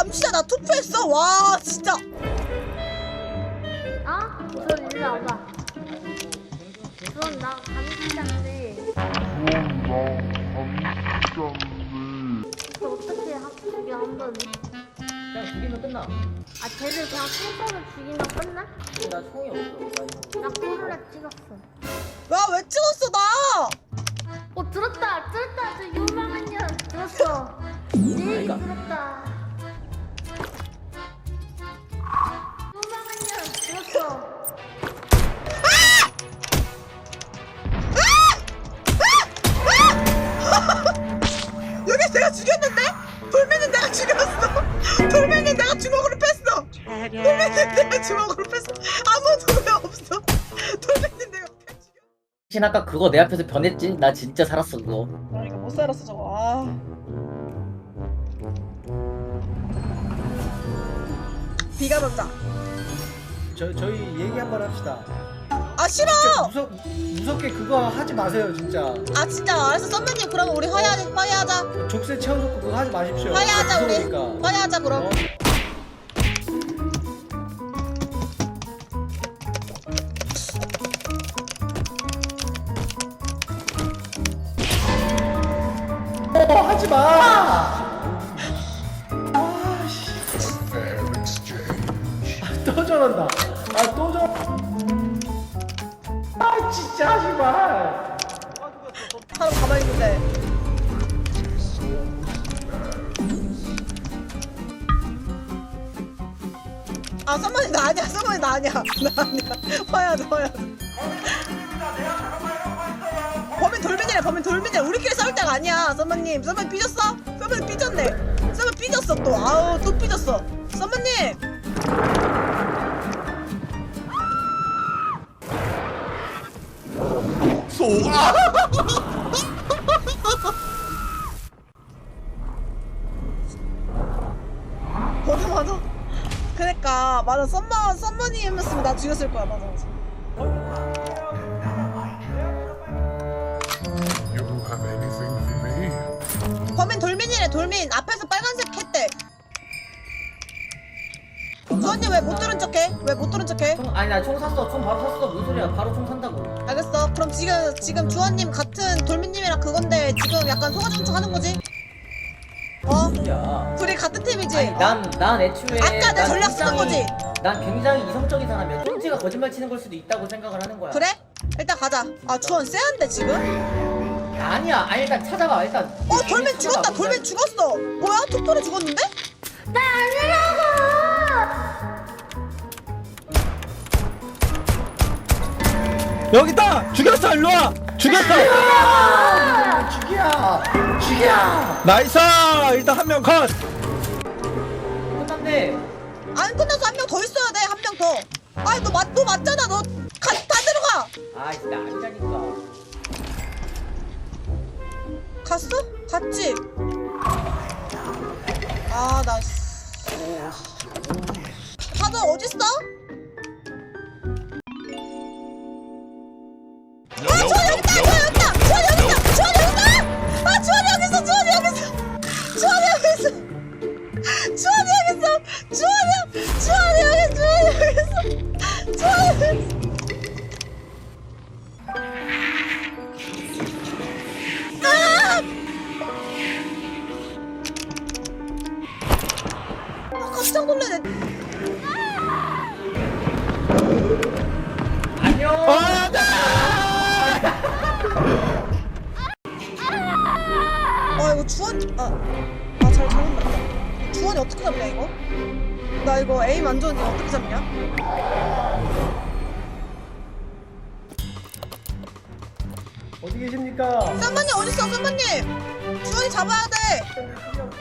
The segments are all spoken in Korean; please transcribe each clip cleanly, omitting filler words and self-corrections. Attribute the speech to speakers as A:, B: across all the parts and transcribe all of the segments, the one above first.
A: 진짜 나 투표했어. 와 진짜.
B: 저 일로 와봐. 그럼 나 감시자인데. 저 어떻게 죽여 한번?
C: 그냥 죽이면 끝나.
B: 쟤를 그냥 총 쏘면 죽이면 끝나?
C: 나 총이 없어.
B: 나 코로나 찍었어.
A: 야 왜 찍었어 나?
B: 들었다. 저 유망한 년 들었어. 내 얘기 들었다. 유망한 년 들었어.
A: 여기 내가 죽였는데? 돌멩이는 내가 죽였어. 돌멩이는 내가 주먹으로 뺐어. 돌멩이는 내가 주먹으로 뺐어. 아무도 왜 없어? 돌멩이는 내가 죽였어.
C: 신 아까 그거 내 앞에서 변했지? 나 진짜 살았어 그거.
A: 그러니까 못 살았어 저거. 아. 비가 온다.
D: 저희 얘기 한번 합시다.
A: 아 싫어.
D: 진짜 무섭게 그거 하지 마세요 진짜.
A: 아 진짜 알았어 썸머님 그럼 우리 화해하자.
D: 족쇄 채워놓고 그거 하지 마십시오.
A: 화해하자 우리.
D: 무서우니까.
A: 화해하자 그럼.
D: 하지 마. 아씨. 또 저런다. 또 저. 진짜 하지 마.
A: 사람 가만히 있는데. 아 썸머님 나 아니야. 썸머님 나 아니야. 나 아니야. 화해하자. 범인 돌민이래. 범인 돌민이래. 우리끼리 싸울 때가 아니야. 썸머님 삐졌어? 썸머님 삐졌네. 썸머님 삐졌어 또. 아우 또 삐졌어. 썸머님. 맞아. 그러니까 맞아. 썸머님이었으면 나 죽였을 거야. 맞아.
E: You have anything for me?
A: 범인 돌민이래. 돌민 앞에서 빨간색 했대. 주원님 왜 못 들은 척해? 왜 못 들은 척해?
C: 아니 나 총 샀어. 총 바로 샀어. 무슨 소리야? 바로 총 산다고.
A: 알겠어. 그럼 지금 주원님 같은 돌민님이랑 그건데 지금 약간 소가정축 하는 거지?
C: 야.
A: 둘이 같은 팀이지?
C: 아니 난 애초에
A: 아까 내
C: 난
A: 전략 쓰는 거지?
C: 난 굉장히 이성적인 사람이야. 똥지가 거짓말 치는 걸 수도 있다고 생각을 하는 거야.
A: 그래? 일단 가자. 아 주원 쎄한데 지금?
C: 아니야. 아니 일단 찾아봐. 일단.
A: 돌민 죽었다. 돌민 죽었어. 뭐야? 톡돌이 죽었는데?
B: 나 아니라고!
D: 여기 있다. 죽였어. 일로 와. 죽였어. 죽여. 나이스. 일단 한 명 컷.
C: 끝났네.
A: 안 끝나서 한 명 더 있어야 돼. 한 명 더. 아니 너 맞잖아. 너 다 들어가.
C: 아 진짜 아니라니까.
A: 갔어? 갔지? 아, 나. 다들 어딨어? 아, 주원이 여기 있다! 주원이 여기 있다! 주원이 여기 있다! 주원이 여기 있다! 아, 주원이 여기 있어! 주원이 여기 있어! 주원이 여기 있어! 주원이 여기 있어! 주원이 여기 있어! 주원이 여기 있어! 깜짝 놀라네.
C: 안녕.
A: 이거 주원 잘못 봤다. 주원이 어떻게 잡냐 이거? 나 이거 에임 안 좋은데 어떻게 잡냐?
D: 어디 계십니까?
A: 쌈마님 어딨어? 쌈마님 주원이 잡아야 돼.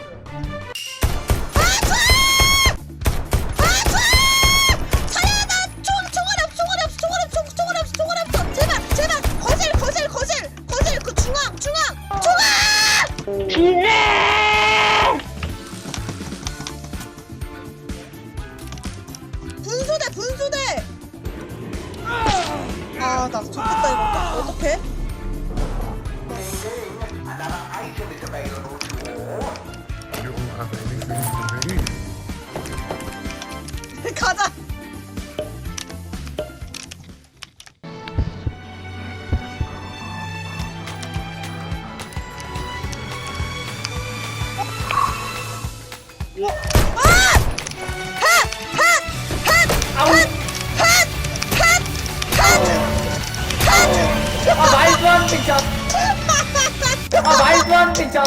A: 분수대! 아, 나 좋겠다, 이거. 어떡해?
E: You have anything for me?
A: 가자.
C: 아 말도 안 되죠. 아 말도 안 되죠.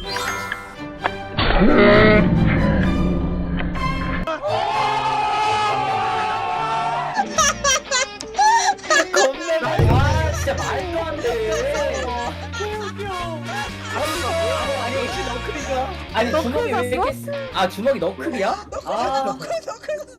C: 아 진짜 말도 안 돼. 아니 주먹이 왜 이렇게 아 주먹이 너클이야? 아